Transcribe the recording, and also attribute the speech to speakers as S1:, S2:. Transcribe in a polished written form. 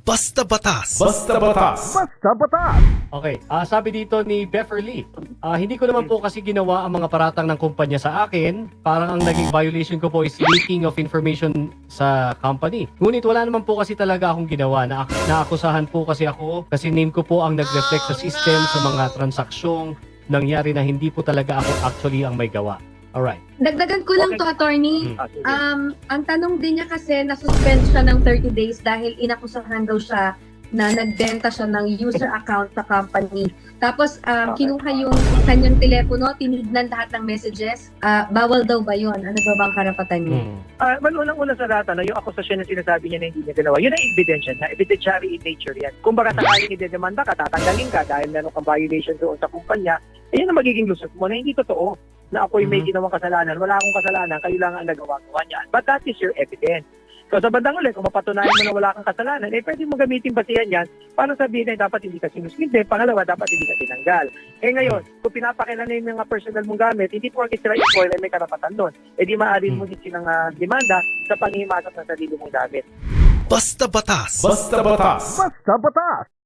S1: Basta Batas.
S2: Basta Batas.
S3: Basta Batas!
S4: Okay, sabi dito ni Beverly, hindi ko naman po kasi ginawa ang mga paratang ng kumpanya sa akin. Parang ang naging violation ko po is leaking of information sa company. Ngunit wala naman po kasi talaga akong ginawa. Naakusahan po kasi ako kasi name ko po ang nag-reflect sa system sa mga transaksyong nangyari na hindi po talaga ako actually ang may gawa. Alright.
S5: Dagdagan ko lang
S6: Okay.
S5: to, attorney.
S6: Sige.
S5: Ang tanong din niya kasi na-suspend siya ng 30 days dahil inakusahan daw siya na nagbenta siya ng user account sa company. Tapos kinuha yung kanyang telepono, tinignan lahat ng messages. Bawal daw ba yun? Ano ba bang karapatan niya?
S6: Well, unang-una sa lahat, yung akusasyon na sinasabi niya na hindi niya ginawa, yun ang ebidensya na, evidentiary in nature yan. Kung baka sakaling idedemanda ka, tatanggalin ka dahil meron kang violation doon sa kumpanya, yun ang magiging lusot mo na hindi totoo na ako'y may ginawang kasalanan. Wala akong kasalanan, kayo lang ang nagawa-gawa niyan. But that is your evidence. So sa bandang ulit, kung mapatunayan mo na wala kang kasalanan, pwede mo gamitin basihan yan para sabihin na dapat hindi ka sinuspinde. Pangalawa, dapat hindi ka tinanggal. Ngayon, kung pinapakilala yung mga personal mong gamit, hindi porket sila i-spoil ay may karapatan doon. Di maaaring mo din silang demanda sa panghimasok ng sarili mong gamit.
S1: Basta Batas.
S2: Basta Batas.
S3: Basta Batas!